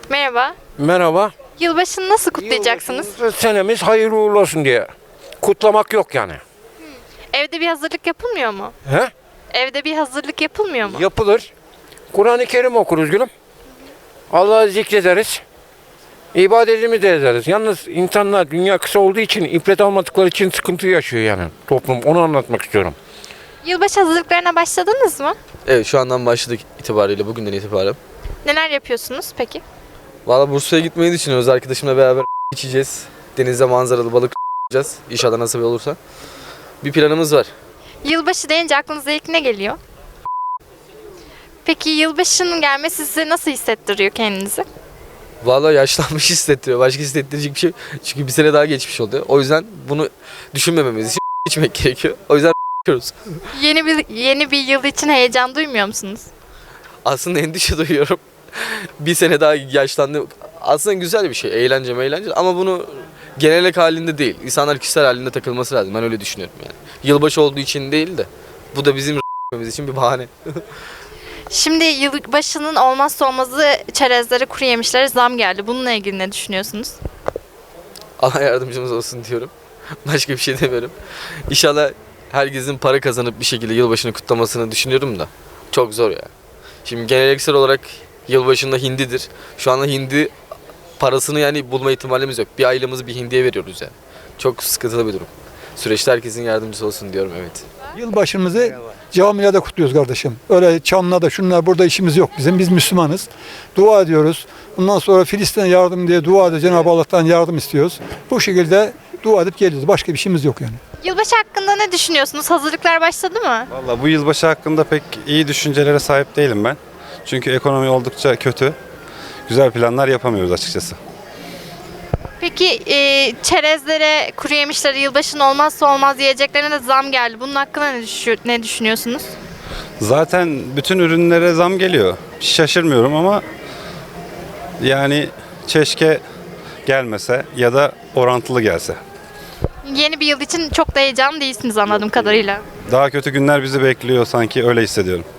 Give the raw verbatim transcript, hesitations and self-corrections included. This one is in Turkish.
Merhaba. Merhaba. Yılbaşını nasıl kutlayacaksınız? Yılbaşımız, senemiz hayırlı uğurlu olsun diye. Kutlamak yok yani. Evde bir hazırlık yapılmıyor mu? He? Evde bir hazırlık yapılmıyor mu? Yapılır. Kur'an-ı Kerim okuruz gülüm. Allah'ı zikrederiz. İbadetimizi de ederiz. Yalnız insanlar dünya kısa olduğu için, ibret almadıkları için sıkıntı yaşıyor yani toplum. Onu anlatmak istiyorum. Yılbaşı hazırlıklarına başladınız mı? Evet, şu andan başladık itibariyle, bugünden itibaren. Neler yapıyorsunuz peki? Valla Bursa'ya gitmeyi düşünüyoruz. Arkadaşımla beraber içeceğiz. Denizde manzaralı balık yapacağız. İnşallah nasip olursa. Bir planımız var. Yılbaşı deyince aklınıza ilk ne geliyor? Peki yılbaşının gelmesi size nasıl hissettiriyor kendinizi? Valla yaşlanmış hissettiriyor. Başka hissettirecek bir şey. Çünkü bir sene daha geçmiş oldu. O yüzden bunu düşünmememiz için içmek gerekiyor. O yüzden içiyoruz. Yeni bir yeni bir yıl için heyecan duymuyor musunuz? Aslında endişe duyuyorum. Bir sene daha yaşlandı. Aslında güzel bir şey. Eğlence eğlence ama bunu genellik halinde değil. İnsanlar kişisel halinde takılması lazım. Ben öyle düşünüyorum yani. Yılbaşı olduğu için değil de bu da bizim için bir bahane. Şimdi yılbaşının olmazsa olmazı çerezlere, kuru yemişlere zam geldi. Bununla ilgili ne düşünüyorsunuz? Allah yardımcımız olsun diyorum. Başka bir şey demiyorum. İnşallah herkesin para kazanıp bir şekilde yılbaşını kutlamasını düşünüyorum da. Çok zor ya. Şimdi geleneksel olarak yılbaşında hindidir. Şu anda hindi parasını yani bulma ihtimalimiz yok. Bir aylığımızı bir hindiye veriyoruz yani. Çok sıkıntılı bir durum. Süreçte herkesin yardımcısı olsun diyorum, evet. Yılbaşımızı camilerde kutluyoruz kardeşim. Öyle çanla da şunlar burada işimiz yok bizim. Biz Müslümanız. Dua ediyoruz. Bundan sonra Filistin'e yardım diye dua edip Cenab-ı Allah'tan yardım istiyoruz. Bu şekilde dua edip geliyoruz. Başka bir şeyimiz yok yani. Yılbaşı hakkında ne düşünüyorsunuz? Hazırlıklar başladı mı? Valla bu yılbaşı hakkında pek iyi düşüncelere sahip değilim ben. Çünkü ekonomi oldukça kötü. Güzel planlar yapamıyoruz açıkçası. Peki e, çerezlere, kuru yemişlere, yılbaşının olmazsa olmaz yiyeceklerine de zam geldi. Bunun hakkında ne, düşü- ne düşünüyorsunuz? Zaten bütün ürünlere zam geliyor. Şaşırmıyorum ama yani keşke gelmese ya da orantılı gelse. Yeni bir yıl için çok da heyecanlı değilsiniz anladığım kadarıyla. Daha kötü günler bizi bekliyor sanki, öyle hissediyorum.